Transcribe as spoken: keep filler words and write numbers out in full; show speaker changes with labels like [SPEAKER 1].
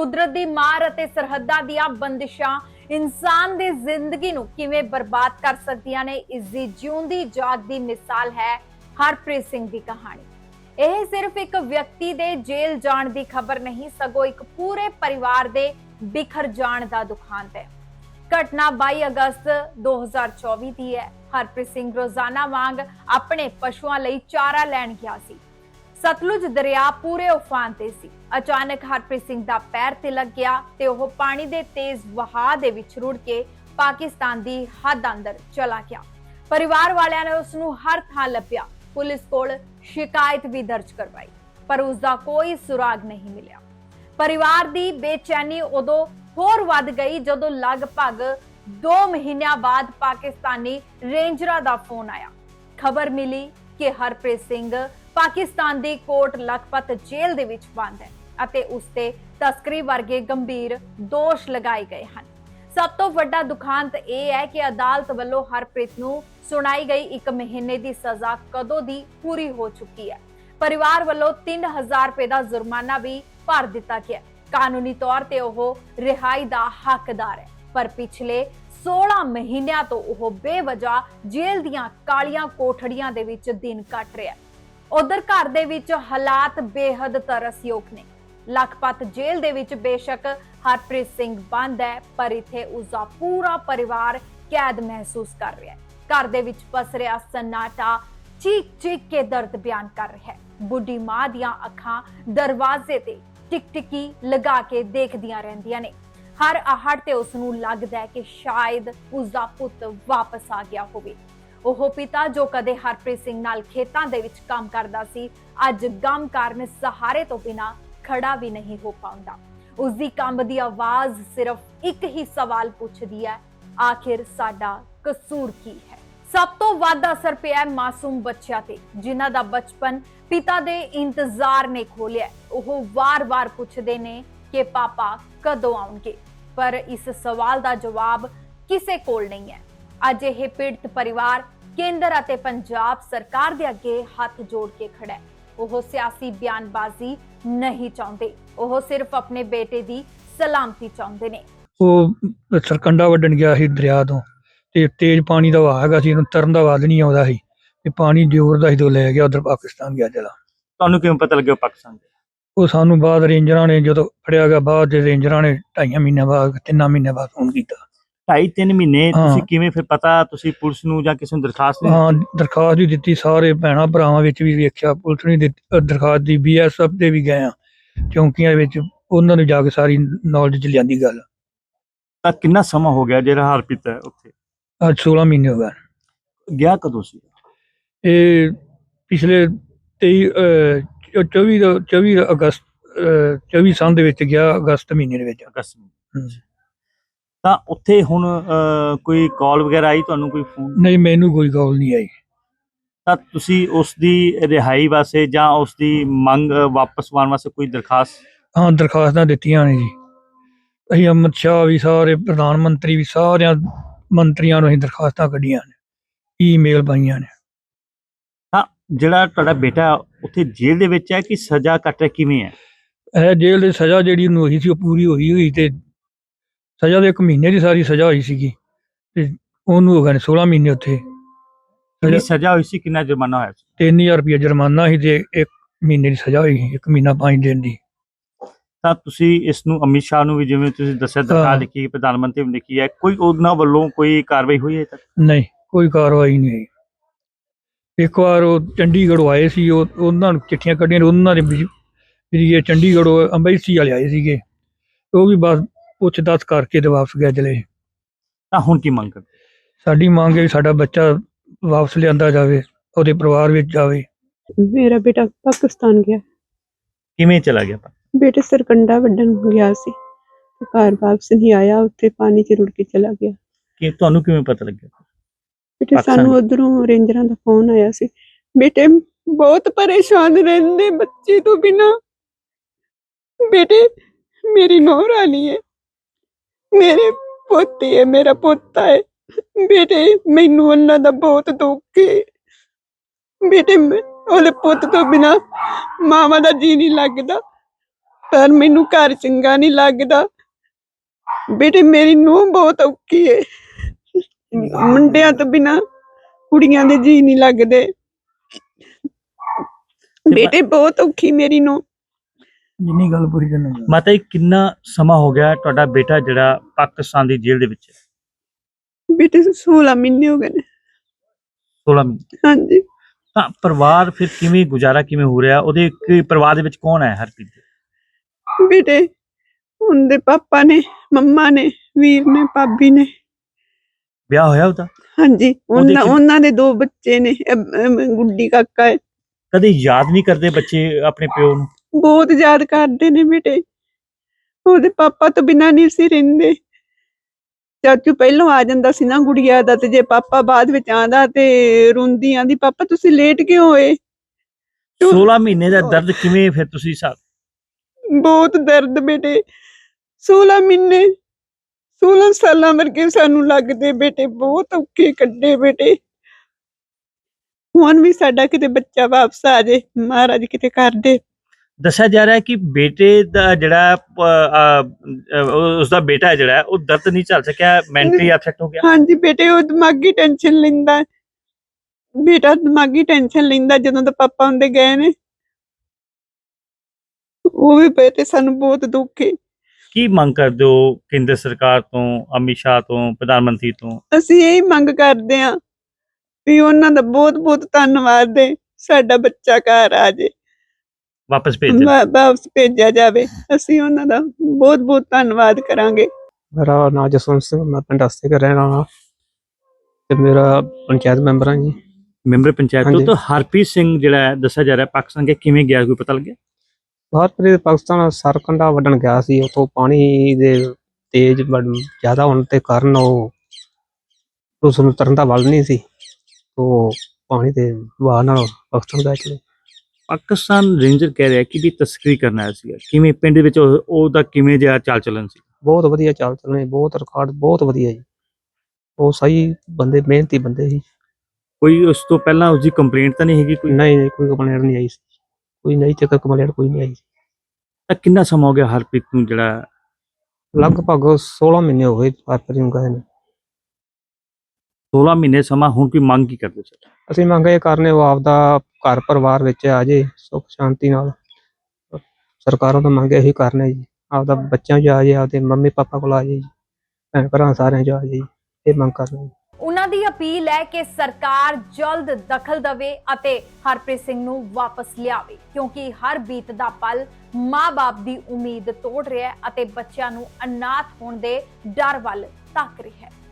[SPEAKER 1] ਕੁਦਰਤ ਦੀ ਮਾਰ ਅਤੇ ਸਰਹੱਦਾਂ ਦੀਆਂ ਬੰਦਿਸ਼ਾਂ ਇਨਸਾਨ ਦੀ ਜ਼ਿੰਦਗੀ ਨੂੰ ਕਿਵੇਂ ਬਰਬਾਦ ਕਰ ਸਕਦੀਆਂ ਨੇ, ਇਸ ਦੀ ਜਿਉਂਦੀ ਜਾਗਦੀ ਮਿਸਾਲ ਹੈ ਹਰਪ੍ਰੀਤ ਸਿੰਘ ਦੀ ਕਹਾਣੀ। ਇਹ ਸਿਰਫ ਇੱਕ ਵਿਅਕਤੀ ਦੇ ਜੇਲ੍ਹ ਜਾਣ ਦੀ ਖਬਰ ਨਹੀਂ, ਸਗੋਂ ਇੱਕ ਪੂਰੇ ਪਰਿਵਾਰ ਦੇ ਬਿਖਰ ਜਾਣ ਦਾ ਦੁਖਾਂਤ ਹੈ। ਘਟਨਾ ਬਾਈ ਅਗਸਤ ਦੋ ਹਜ਼ਾਰ ਚੌਵੀ ਦੀ ਹੈ। ਹਰਪ੍ਰੀਤ ਸਿੰਘ ਰੋਜ਼ਾਨਾ ਵਾਂਗ ਆਪਣੇ ਪਸ਼ੂਆਂ ਲਈ ਚਾਰਾ ਲੈਣ ਗਿਆ ਸੀ। ਸਤਲੁਜ ਦਰਿਆ ਪੂਰੇ ਉਫਾਨ ਤੇ ਸੀ। ਅਚਾਨਕ ਹਰਪ੍ਰੀਤ ਸਿੰਘ ਦਾ ਪੈਰ ਤਿਲਕ ਗਿਆ ਤੇ ਉਹ ਪਾਣੀ ਦੇ ਤੇਜ਼ ਵਹਾਅ ਦੇ ਵਿੱਚ ਰੁੜ ਕੇ ਪਾਕਿਸਤਾਨ ਦੀ ਹੱਦ ਅੰਦਰ ਚਲਾ ਗਿਆ। ਪਰਿਵਾਰ ਵਾਲਿਆਂ ਨੇ ਉਸ ਨੂੰ ਹਰ ਥਾਂ ਲੱਭਿਆ, ਪੁਲਿਸ ਕੋਲ ਸ਼ਿਕਾਇਤ ਵੀ ਦਰਜ ਕਰਵਾਈ, ਪਰ ਉਸ ਦਾ ਕੋਈ ਸੁਰਾਗ ਨਹੀਂ ਮਿਲਿਆ। ਪਰਿਵਾਰ ਦੀ ਬੇਚੈਨੀ ਉਦੋਂ ਹੋਰ ਵੱਧ ਗਈ ਜਦੋਂ ਲਗਭਗ ਦੋ ਮਹੀਨਿਆਂ ਬਾਅਦ ਪਾਕਿਸਤਾਨੀ ਰੇਂਜਰਾਂ ਦਾ ਫੋਨ ਆਇਆ। ਖਬਰ ਮਿਲੀ ਕਿ ਹਰਪ੍ਰੀਤ ਸਿੰਘ ਪਾਕਿਸਤਾਨ ਦੀ ਕੋਟ ਲਖਪਤ ਜੇਲ੍ਹ ਦੇ ਵਿੱਚ ਬੰਦ ਹੈ ਅਤੇ ਉਸ ਤੇ ਤਸਕਰੀ ਵਰਗੇ ਗੰਭੀਰ ਦੋਸ਼ ਲਗਾਏ ਗਏ ਹਨ। ਸਭ ਤੋਂ ਵੱਡਾ ਦੁਖਾਂਤ ਇਹ ਹੈ ਕਿ ਅਦਾਲਤ ਵੱਲੋਂ ਹਰਪ੍ਰੀਤ ਨੂੰ ਸੁਣਾਈ ਗਈ ਇੱਕ ਮਹੀਨੇ ਦੀ ਸਜ਼ਾ ਕਦੋਂ ਦੀ ਪੂਰੀ ਹੋ ਚੁੱਕੀ ਹੈ। ਪਰਿਵਾਰ ਵੱਲੋਂ ਤਿੰਨ ਹਜ਼ਾਰ ਰੁਪਏ ਦਾ ਜੁਰਮਾਨਾ ਵੀ ਭਰ ਦਿੱਤਾ ਗਿਆ। ਕਾਨੂੰਨੀ ਤੌਰ ਤੇ ਉਹ ਰਿਹਾਈ ਦਾ ਹੱਕਦਾਰ ਹੈ, ਪਰ ਪਿਛਲੇ ਸੋਲਾਂ ਮਹੀਨਿਆਂ ਤੋਂ ਉਹ ਬੇਵਜ੍ਹਾ ਜੇਲ੍ਹ ਦੀਆਂ ਕਾਲੀਆਂ ਕੋਠੜੀਆਂ ਦੇ ਵਿੱਚ ਦਿਨ ਕੱਟ ਰਿਹਾ ਹੈ। ਉਧਰ ਘਰ ਦੇ ਵਿੱਚ ਹਾਲਾਤ ਬੇਹੱਦ ਤਰਸਯੋਗ ਨੇ। ਲਖਪਤ ਜੇਲ੍ਹ ਦੇ ਵਿੱਚ ਬੇਸ਼ੱਕ ਹਰਪ੍ਰੀਤ ਸਿੰਘ ਬੰਦ ਹੈ, ਪਰ ਇੱਥੇ ਉਸਦਾ ਪੂਰਾ ਪਰਿਵਾਰ ਕੈਦ ਮਹਿਸੂਸ ਕਰ ਰਿਹਾ ਹੈ। ਘਰ ਦੇ ਵਿੱਚ ਪਸ ਰਿਹਾ ਸन्नाटा ਚੀਕ ਚੀਕ ਕੇ ਦਰਦ ਬਿਆਨ ਕਰ ਰਿਹਾ ਹੈ। ਬੁੱਢੀ ਮਾਂ ਦੀਆਂ ਅੱਖਾਂ ਦਰਵਾਜ਼ੇ ਤੇ ਟਿਕਟਿਕੀ ਲਗਾ ਕੇ ਦੇਖਦੀਆਂ ਰਹਿੰਦੀਆਂ ਨੇ। ਹਰ ਆਹੜ ਤੇ ਉਸ ਨੂੰ ਲੱਗਦਾ ਹੈ ਕਿ ਸ਼ਾਇਦ ਉਸਦਾ ਪੁੱਤ ਵਾਪਸ ਆ ਗਿਆ ਹੋਵੇ। ਉਹ ਪਿਤਾ ਜੋ ਕਦੇ ਹਰਪ੍ਰੀਤ ਸਿੰਘ ਨਾਲ ਖੇਤਾਂ ਦੇ ਵਿੱਚ ਕੰਮ ਕਰਦਾ ਸੀ, ਅੱਜ ਗਮ ਕਾਰਨ ਸਹਾਰੇ ਤੋਂ ਬਿਨਾਂ ਖੜਾ ਵੀ ਨਹੀਂ ਹੋ ਪਾਉਂਦਾ। ਉਸ ਦੀ ਕੰਬਦੀ ਆਵਾਜ਼ ਸਿਰਫ ਇੱਕ ਹੀ ਸਵਾਲ ਪੁੱਛਦੀ ਹੈ, ਆਖਿਰ ਸਾਡਾ ਕਸੂਰ ਕੀ ਹੈ? ਸਭ ਤੋਂ ਵੱਧ ਅਸਰ ਪਿਆ ਹੈ ਮਾਸੂਮ ਬੱਚਿਆਂ ਤੇ, ਜਿਨ੍ਹਾਂ ਦਾ ਬਚਪਨ ਪਿਤਾ ਦੇ ਇੰਤਜ਼ਾਰ ਨੇ ਖੋਲਿਆ। ਉਹ ਵਾਰ-ਵਾਰ ਪੁੱਛਦੇ ਨੇ ਕਿ ਪਾਪਾ ਕਦੋਂ ਆਉਣਗੇ, ਪਰ ਇਸ ਸਵਾਲ ਦਾ ਜਵਾਬ ਕਿਸੇ ਕੋਲ ਨਹੀਂ ਹੈ। ਅੱਜ ਇਹ ਪੀੜਤ ਪਰਿਵਾਰ ਕੇਂਦਰ ਅਤੇ ਪੰਜਾਬ ਸਰਕਾਰ ਦੇ ਅੱਗੇ ਹੱਥ ਜੋੜ ਕੇ ਖੜਾ ਹੈ। ਉਹ ਸਿਆਸੀ ਬਿਆਨਬਾਜ਼ੀ ਨਹੀਂ ਚਾਹੁੰਦੇ, ਉਹ ਸਿਰਫ ਆਪਣੇ ਬੇਟੇ ਦੀ ਸਲਾਮਤੀ ਚਾਹੁੰਦੇ ਨੇ।
[SPEAKER 2] ਉਹ ਸਰਕੰਡਾ ਵੱਢਣ ਗਿਆ ਸੀ ਦਰਿਆ ਤੋਂ, ਤੇ ਤੇਜ਼ ਪਾਣੀ ਦਾ ਵਹਾਅ ਹੈਗਾ ਸੀ, ਇਹਨੂੰ ਤਰਨ ਦਾ ਵਾਦ ਨਹੀਂ ਆਉਂਦਾ ਸੀ ਤੇ ਪਾਣੀ ਜ਼ੋਰ ਦਾ ਸੀ ਤੋਂ ਲੈ ਗਿਆ ਉਧਰ ਪਾਕਿਸਤਾਨ ਗਿਆ ਚਲਾ।
[SPEAKER 3] ਤੁਹਾਨੂੰ ਕਿਵੇਂ ਪਤਾ ਲੱਗਿਆ ਪਾਕਿਸਤਾਨ ਦੇ?
[SPEAKER 2] ਉਹ ਸਾਨੂੰ ਬਾਅਦ ਰੇਂਜਰਾਂ ਨੇ ਜਦੋਂ ਫੜਿਆ ਗਿਆ, ਬਾਅਦ ਦੇ ਰੇਂਜਰਾਂ ਨੇ ਢਾਈਆਂ ਮਹੀਨਿਆਂ ਬਾਅਦ ਤਿੰਨਾਂ ਮਹੀਨਿਆਂ ਬਾਅਦ ਫੋਨ ਕੀਤਾ।
[SPEAKER 3] ਢਾਈ ਤਿੰਨ ਮਹੀਨੇ
[SPEAKER 2] ਹਾਂ।
[SPEAKER 3] ਤੁਸੀਂ ਕਿਵੇਂ ਫਿਰ ਪਤਾ, ਤੁਸੀਂ ਪੁਲਿਸ ਨੂੰ ਜਾਂ ਕਿਸੇ ਨੂੰ ਦਰਖਾਸਤ ਨਹੀਂ
[SPEAKER 2] ਹਾਂ,
[SPEAKER 3] ਦਿੱਤੀ?
[SPEAKER 2] ਦਰਖਾਸਤ ਵੀ ਦਿੱਤੀ, ਸਾਰੇ ਭੈਣਾਂ ਭਰਾਵਾਂ ਵਿੱਚ ਵੀ ਵੇਖਿਆ, ਪੁਲਿਸ ਨੇ ਦਿੱਤੀ ਦਰਖਾਸਤ ਦੀ, ਬੀ ਐਸ ਐਫ ਦੇ ਵੀ ਗਏ ਆ ਚੌਂਕੀਆਂ ਵਿੱਚ, ਉਹਨਾਂ ਨੂੰ ਜਾ ਕੇ ਸਾਰੀ ਨੌਲੇਜ ਚ ਲਿਆਂਦੀ ਗੱਲ।
[SPEAKER 3] ਤਾਂ ਕਿੰਨਾ ਸਮਾਂ ਹੋ ਗਿਆ ਜਿਹੜਾ ਹਰਪ੍ਰੀਤ ਹੈ ਉੱਥੇ
[SPEAKER 2] ਅੱਜ ਸੋਲਾਂ ਮਹੀਨੇ ਹੋ ਗਏ।
[SPEAKER 3] ਗਿਆ ਕਦੋਂ ਸੀ?
[SPEAKER 2] ਇਹ ਪਿਛਲੇ ਤੇਈ ਅਹ, ਚੌਵੀ ਦਾ- ਚੌਵੀ ਅਗਸਤ ਅਹ, ਚੌਵੀ ਸਾਲ ਦੇ ਵਿੱਚ ਗਿਆ, ਅਗਸਤ ਮਹੀਨੇ ਦੇ ਵਿੱਚ।
[SPEAKER 3] ਅਗਸਤ ਨੂੰ।
[SPEAKER 2] ਹਮ।
[SPEAKER 3] ਤਾਂ ਉੱਥੇ ਹੁਣ ਅਹ, ਕੋਈ ਕਾਲ ਵਗੈਰਾ ਆਈ ਤੁਹਾਨੂੰ, ਕੋਈ ਫੋਨ?
[SPEAKER 2] ਨਹੀਂ, ਮੈਨੂੰ ਕੋਈ ਕਾਲ ਨਹੀਂ ਆਈ।
[SPEAKER 3] ਤਾਂ ਤੁਸੀਂ ਉਸ ਦੀ ਰਿਹਾਈ ਵਾਸਤੇ ਜਾਂ ਉਸ ਦੀ ਮੰਗ ਵਾਪਸ ਪਾਉਣ ਵਾਸਤੇ ਕੋਈ ਦਰਖਾਸਤ?
[SPEAKER 2] ਹਾਂ, ਦਰਖਾਸਤਾਂ ਦਿੱਤੀਆਂ ਨੇ ਜੀ। ਅਸੀਂ ਅਮਿਤ ਸ਼ਾਹ ਵੀ, ਸਾਰੇ ਪ੍ਰਧਾਨ ਮੰਤਰੀ ਵੀ, ਸਾਰਿਆਂ ਮੰਤਰੀਆਂ ਨੂੰ ਅਸੀਂ ਦਰਖਾਸਤਾਂ ਕੱਢੀਆਂ ਨੇ, ਈਮੇਲ ਪਾਈਆਂ ਨੇ।
[SPEAKER 3] ਤਾਂ ਜਿਹੜਾ ਤੁਹਾਡਾ ਬੇਟਾ ਉੱਥੇ ਜੇਲ੍ਹ ਦੇ ਵਿੱਚ ਹੈ ਕਿ ਸਜ਼ਾ ਕੱਟ ਰਿਹਾ, ਕਿਵੇਂ ਹੈ?
[SPEAKER 2] ਇਹ ਜੇਲ੍ਹ ਦੀ ਸਜ਼ਾ ਜਿਹੜੀ ਉਹਨੂੰ ਹੋਈ ਸੀ ਉਹ ਪੂਰੀ ਹੋਈ ਹੋਈ, ਤੇ ਸਜ਼ਾ ਦੇ ਇੱਕ ਮਹੀਨੇ ਦੀ ਸਾਰੀ ਸਜ਼ਾ ਹੋਈ ਸੀਗੀ, ਤੇ ਉਹਨੂੰ ਹੋ ਗਏ ਨੇ ਸੋਲਾਂ ਮਹੀਨੇ ਉੱਥੇ।
[SPEAKER 3] ਕਿੰਨੀ ਸਜ਼ਾ ਹੋਈ ਸੀ, ਕਿੰਨਾ ਜੁਰਮਾਨਾ ਹੋਇਆ ਸੀ?
[SPEAKER 2] ਤਿੰਨ ਹਜ਼ਾਰ ਰੁਪਇਆ ਜੁਰਮਾਨਾ ਸੀ ਤੇ ਇੱਕ ਮਹੀਨੇ ਦੀ ਸਜ਼ਾ ਹੋਈ, ਇੱਕ ਮਹੀਨਾ ਪੰਜ ਦਿਨ ਦੀ।
[SPEAKER 3] ਤਾਂ ਤੁਸੀਂ ਇਸ ਨੂੰ ਅਮਿਤ ਸ਼ਾਹ ਨੂੰ ਵੀ, ਜਿਵੇਂ ਤੁਸੀਂ ਦੱਸਿਆ, ਦਰਖਾਸਤ ਲਿਖੀ, ਪ੍ਰਧਾਨ ਮੰਤਰੀ ਨੂੰ ਲਿਖੀ ਹੈ, ਕੋਈ ਉਹਨਾਂ ਵੱਲੋਂ ਕੋਈ ਕਾਰਵਾਈ ਹੋਈ ਹੈ ਤੱਕ?
[SPEAKER 2] ਨਹੀਂ, ਕੋਈ ਕਾਰਵਾਈ ਨਹੀਂ ਹੋਈ। ਇੱਕ ਵਾਰ ਉਹ ਚੰਡੀਗੜ੍ਹੋਂ ਆਏ ਸੀ, ਉਹ ਉਹਨਾਂ ਨੂੰ ਚਿੱਠੀਆਂ ਕੱਢੀਆਂ, ਉਹਨਾਂ ਦੇ ਵੀ ਚੰਡੀਗੜ੍ਹੋਂ ਅੰਬੈਸੀ ਵਾਲੇ ਆਏ ਸੀਗੇ, ਉਹ ਵੀ ਬਸ ਪੁੱਛ ਦੱਸ ਕਰਕੇ ਤੇ ਵਾਪਸ ਗਏ ਚਲੇ।
[SPEAKER 3] ਤਾਂ ਹੁਣ ਕੀ ਮੰਗ ਕਰਦੇ?
[SPEAKER 2] ਸਾਡੀ ਮੰਗ ਹੈ ਵੀ ਸਾਡਾ ਬੱਚਾ ਵਾਪਸ ਲਿਆਂਦਾ ਜਾਵੇ, ਉਹਦੇ ਪਰਿਵਾਰ ਵਿੱਚ ਜਾਵੇ।
[SPEAKER 4] ਮੇਰਾ ਬੇਟਾ ਪਾਕਿਸਤਾਨ ਗਿਆ।
[SPEAKER 3] ਕਿਵੇਂ ਚਲਾ ਗਿਆ?
[SPEAKER 4] ਬੇਟੇ ਸਰਕੰਡਾ ਵੱਢਣ ਗਿਆ ਸੀ ਤੇ ਘਰ ਵਾਪਸ ਨਹੀਂ ਆਇਆ, ਉੱਥੇ ਪਾਣੀ 'ਚ ਰੁੜ ਕੇ ਚਲਾ ਗਿਆ।
[SPEAKER 3] ਕਿ ਤੁਹਾਨੂੰ ਕਿਵੇਂ ਪਤਾ ਲੱਗਿਆ?
[SPEAKER 4] ਬੇਟੇ
[SPEAKER 3] ਪਾਕਿਸਤਾਨ
[SPEAKER 4] ਸਾਨੂੰ ਉਧਰੋਂ ਰੇਂਜਰਾਂ ਦਾ ਫੋਨ ਆਇਆ ਸੀ। ਬੇਟੇ ਬਹੁਤ ਪਰੇਸ਼ਾਨ ਰਹਿੰਦੇ ਬੱਚੇ ਤੋਂ ਬਿਨਾ। ਬੇਟੇ ਮੇਰੀ ਨੂੰਹ ਰਾਣੀ ਹੈ, ਮੇਰੇ ਪੋਤੀ ਹੈ, ਮੇਰਾ ਪੋਤਾ ਹੈ। ਬੇਟੇ ਮੈਨੂੰ ਉਹਨਾਂ ਦਾ ਬਹੁਤ ਦੁੱਖ ਹੈ। ਬੇਟੇ ਉਹਦੇ ਪੁੱਤ ਤੋਂ ਬਿਨਾ ਮਾਵਾਂ ਦਾ ਜੀ ਨਹੀਂ ਲੱਗਦਾ। ਪਰ ਮੈਨੂੰ ਘਰ ਚੰਗਾ ਨਹੀਂ ਲੱਗਦਾ। ਬੇਟੇ ਮੇਰੀ ਨੂੰਹ ਬਹੁਤ ਔਖੀ ਹੈ, ਮੁੰਡਿਆਂ ਤੋਂ ਬਿਨਾ ਕੁੜੀਆਂ ਦੇ ਜੀ ਨਹੀਂ ਲੱਗਦੇ। ਬੇਟੇ ਬਹੁਤ ਔਖੀ ਮੇਰੀ ਨੂੰਹ।
[SPEAKER 2] ਜਿੰਨੀ ਗੱਲ ਪੂਰੀ ਕਰਨਾ ਚਾਹੁੰਦਾ।
[SPEAKER 3] ਮਾਤਾ ਜੀ, ਕਿੰਨਾ ਸਮਾਂ ਹੋ ਗਿਆ ਤੁਹਾਡਾ ਬੇਟਾ ਜਿਹੜਾ ਪਾਕਿਸਤਾਨ ਦੀ ਜੇਲ੍ਹ ਦੇ ਵਿੱਚ ਹੈ?
[SPEAKER 4] ਬੇਟੇ ਸੋਲਾਂ ਮਹੀਨੇ ਹੋ ਗਏ ਨੇ।
[SPEAKER 3] ਸੋਲਾਂ ਮਹੀਨੇ।
[SPEAKER 4] ਹਾਂਜੀ।
[SPEAKER 3] ਤਾਂ ਪਰਿਵਾਰ ਫਿਰ ਕਿਵੇਂ ਗੁਜ਼ਾਰਾ ਕਿਵੇਂ ਹੋ ਰਿਹਾ? ਉਹਦੇ ਕੀ ਪਰਿਵਾਰ ਦੇ ਵਿੱਚ ਕੌਣ ਹੈ ਹਰਪ੍ਰੀਤ ਦੇ?
[SPEAKER 4] ਬੇਟੇ ਉਹਦੇ ਪਾਪਾ ਨੇ, ਮੰਮਾ ਨੇ, ਵੀਰ ਨੇ, ਭਾਬੀ ਨੇ।
[SPEAKER 3] ਵਿਆਹ ਹੋਇਆ ਉਹਦਾ?
[SPEAKER 4] ਹਾਂਜੀ,
[SPEAKER 3] ਉਹਦੇ
[SPEAKER 4] ਉਹਨਾਂ
[SPEAKER 3] ਕਿ-
[SPEAKER 4] ਉਹਨਾਂ ਦੇ ਦੋ ਬੱਚੇ ਨੇ। ਅਮ, ਅਮ, ਗੁੱਡੀ ਕਾਕਾ ਹੈ।
[SPEAKER 3] ਕਦੇ ਯਾਦ ਨਹੀਂ ਕਰਦੇ ਬੱਚੇ ਆਪਣੇ ਪਿਓ ਨੂੰ?
[SPEAKER 4] ਬਹੁਤ ਯਾਦ ਕਰਦੇ ਨੇ ਬੇਟੇ। ਉਹਦੇ ਪਾਪਾ ਤੋਂ ਬਿਨਾਂ ਨਹੀਂ ਸੀ ਰਹਿੰਦੇ। ਚਾਚੂ ਪਹਿਲੋਂ ਆ ਜਾਂਦਾ ਸੀ ਨਾ ਗੁੜੀਆ ਦਾ, ਤੇ ਜੇ ਪਾਪਾ ਬਾਅਦ ਵਿੱਚ ਆਂਦਾ ਤੇ ਰੋਂਦੀ ਆਂਦੀ, ਪਾਪਾ ਤੁਸੀਂ ਲੇਟ ਕਿਉਂ ਹੋਏ?
[SPEAKER 3] ਸੋਲਾਂ ਮਹੀਨੇ ਦਾ ਦਰਦ ਕਿਵੇਂ ਫਿਰ ਤੁਸੀਂ ਸਾ
[SPEAKER 4] ਬਹੁਤ ਦਰਦ ਬੇਟੇ। ਸੋਲਾਂ ਮਹੀਨੇ ਸੋਲਾਂ ਸਾਲਾਂ ਵਰਗੇ ਸਾਨੂੰ ਲੱਗਦੇ ਬੇਟੇ। ਬਹੁਤ ਔਖੇ ਕੱਢੇ ਬੇਟੇ। ਹੁਣ ਵੀ ਸਾਡਾ ਕਿਤੇ ਬੱਚਾ ਵਾਪਸ ਆ ਜੇ, ਮਹਾਰਾਜ ਕਿਤੇ ਕਰ ਦੇ।
[SPEAKER 3] ਦੱਸਿਆ ਜਾ ਰਿਹਾ ਹੈ ਕਿ ਬੇਟੇ ਦਾ ਜਿਹੜਾ ਉਸ ਦਾ ਬੇਟਾ ਹੈ ਜਿਹੜਾ ਉਹ ਦਰਦ ਨਹੀਂ ਝੱਲ ਸਕਿਆ, ਮੈਂਟਲੀ ਅਫੈਕਟ ਹੋ ਗਿਆ।
[SPEAKER 4] ਹਾਂਜੀ ਬੇਟੇ, ਉਹ ਦਿਮਾਗੀ ਟੈਨਸ਼ਨ ਲੈਂਦਾ। ਬੇਟਾ ਦਿਮਾਗੀ ਟੈਨਸ਼ਨ ਲੈਂਦਾ। ਜਦੋਂ ਦਾ ਪਾਪਾ ਹੁੰਦੇ ਗਏ ਨੇ, ਉਹ ਵੀ ਬੇਟੇ ਸਾਨੂੰ ਬਹੁਤ ਦੁੱਖ ਹੈ।
[SPEAKER 3] ਕੀ ਮੰਗ ਕਰਦੇ ਹੋ ਕੇਂਦਰ ਸਰਕਾਰ ਤੋਂ, ਅਮਿਤ ਸ਼ਾਹ ਤੋਂ, ਪ੍ਰਧਾਨ ਮੰਤਰੀ ਤੋਂ?
[SPEAKER 4] ਅਸੀਂ ਇਹੀ ਮੰਗ ਕਰਦੇ ਹਾਂ ਵੀ ਉਹਨਾਂ ਦਾ ਬਹੁਤ ਬਹੁਤ ਧੰਨਵਾਦ ਹੈ, ਸਾਡਾ ਬੱਚਾ ਘਰ ਆ ਜੇ,
[SPEAKER 3] ਵਾਪਸ ਭੇਜ ਦੇਣ।
[SPEAKER 4] ਵਾ- ਵਾਪਸ ਭੇਜਿਆ ਜਾਵੇ। ਅਸੀਂ ਉਹਨਾਂ ਦਾ ਬਹੁਤ ਬਹੁਤ ਧੰਨਵਾਦ ਕਰਾਂਗੇ।
[SPEAKER 5] ਮੇਰਾ ਨਾਮ ਜਸਵੰਤ ਸਿੰਘ, ਮੈਂ ਪਿੰਡ ਹਸਤੇ ਕੇ ਰਹਿਣ ਵਾਲਾ ਤੇ ਮੇਰਾ ਪੰਚਾਇਤ ਮੈਂਬਰ ਹਾਂ ਜੀ।
[SPEAKER 3] ਮੈਂਬਰ ਪੰਚਾਇਤ ਤੋਂ।
[SPEAKER 5] ਹਾਂਜੀ।
[SPEAKER 3] ਤਾਂ ਹਰਪ੍ਰੀਤ ਸਿੰਘ ਜਿਹੜਾ ਹੈ, ਦੱਸਿਆ ਜਾ ਰਿਹਾ ਪਾਕਿਸਤਾਨ ਗਿਆ, ਕਿਵੇਂ ਗਿਆ ਕੋਈ ਪਤਾ ਲੱਗਿਆ?
[SPEAKER 5] ਹਰਪ੍ਰੀਤ ਪਾਕਿਸਤਾਨ ਸਰਕੰਡਾ ਵੱਢਣ ਗਿਆ ਸੀ। ਉੱਥੋਂ ਪਾਣੀ ਦੇ ਤੇਜ਼ ਵੱਢ ਜ਼ਿਆਦਾ ਹੋਣ ਦੇ ਕਾਰਨ ਉਹ ਉਸ ਨੂੰ ਤਰਨ ਦਾ ਵੱਲ ਨਹੀਂ ਸੀ, ਉਹ ਪਾਣੀ ਦੇ ਵਹਾਅ ਨਾਲ ਪਾਕਿਸਤਾਨ ਗਿਆ ਚਲੇ।
[SPEAKER 3] ਪਾਕਿਸਤਾਨ ਰੇਂਜਰ ਕਹਿ ਰਿਹਾ ਕਿ ਵੀ ਤਸਕਰੀ ਕਰਨ ਆਇਆ ਸੀਗਾ। ਕਿਵੇਂ ਪਿੰਡ ਵਿੱਚ ਉਹ- ਉਹਦਾ ਕਿਵੇਂ ਜਿਹਾ ਚਾਲ ਚੱਲਣ ਸੀ?
[SPEAKER 5] ਬਹੁਤ ਵਧੀਆ ਚਾਲ ਚੱਲਣੇ, ਬਹੁਤ ਰਿਕਾਰਡ ਬਹੁਤ ਵਧੀਆ ਜੀ। ਉਹ ਸਹੀ ਬੰਦੇ, ਮਿਹਨਤੀ ਬੰਦੇ ਸੀ।
[SPEAKER 3] ਕੋਈ ਉਸ ਤੋਂ ਪਹਿਲਾਂ ਉਸਦੀ ਕੰਪਲੇਂਟ ਤਾਂ ਨਹੀਂ ਹੈਗੀ ਕੋਈ?
[SPEAKER 5] ਨਹੀਂ ਨਹੀਂ ਕੋਈ ਕੰਪਲੇਂਟ ਨਹੀਂ ਆਈ ਸੀ, ਕੋਈ ਨਹੀਂ ਚੱਕਰ ਕੰਪਲੇਂਟ ਕੋਈ ਨਹੀਂ ਆਈ।
[SPEAKER 3] ਤਾਂ ਕਿੰਨਾ ਸਮਾਂ ਹੋ ਗਿਆ ਹਰਪ੍ਰੀਤ ਨੂੰ ਜਿਹੜਾ?
[SPEAKER 5] ਲਗਭਗ ਸੋਲਾਂ ਮਹੀਨੇ ਹੋ ਗਏ ਹਰਪ੍ਰੀਤ ਨੂੰ ਗਏ ਨੇ।
[SPEAKER 3] ਸੋਲਾਂ ਮਹੀਨੇ ਸਮਾਂ। ਹੁਣ ਕੋਈ ਮੰਗ ਕੀ ਕਰਦੇ ਸਰ?
[SPEAKER 5] ਅਸੀਂ ਮੰਗ ਇਹ ਕਰਨੇ, ਉਹ ਆਪਦਾ ਘਰ ਪਰਿਵਾਰ ਵਿੱਚ ਆ ਜੇ ਸੁੱਖ ਸ਼ਾਂਤੀ ਨਾਲ। ਸਰਕਾਰਾਂ ਤੋਂ ਮੰਗ ਇਹੀ ਕਰਨੇ ਜੀ, ਆਪਦਾ ਬੱਚਿਆਂ 'ਚ ਆ ਜੇ, ਆਪਦੇ ਮੰਮੀ ਪਾਪਾ ਕੋਲ ਆ ਜੇ ਜੀ, ਭੈਣ ਭਰਾ ਸਾਰਿਆਂ 'ਚ ਆ ਜੇ ਜੀ, ਇਹ ਮੰਗ ਕਰਨੇ।
[SPEAKER 1] ਉਹਨਾਂ ਦੀ ਅਪੀਲ ਹੈ ਕਿ ਸਰਕਾਰ ਜਲਦ ਦਖਲ ਦੇਵੇ ਅਤੇ ਹਰਪ੍ਰੀਤ ਸਿੰਘ ਨੂੰ ਵਾਪਸ ਲਿਆਵੇ, ਕਿਉਂਕਿ ਹਰ ਬੀਤਦਾ ਪਲ ਮਾਂ-ਬਾਪ ਦੀ ਉਮੀਦ ਤੋੜ ਰਿਹਾ ਹੈ ਅਤੇ ਬੱਚਿਆਂ ਨੂੰ ਅਨਾਥ ਹੋਣ ਦੇ ਡਰ ਵੱਲ ਧੱਕ ਰਿਹਾ ਹੈ।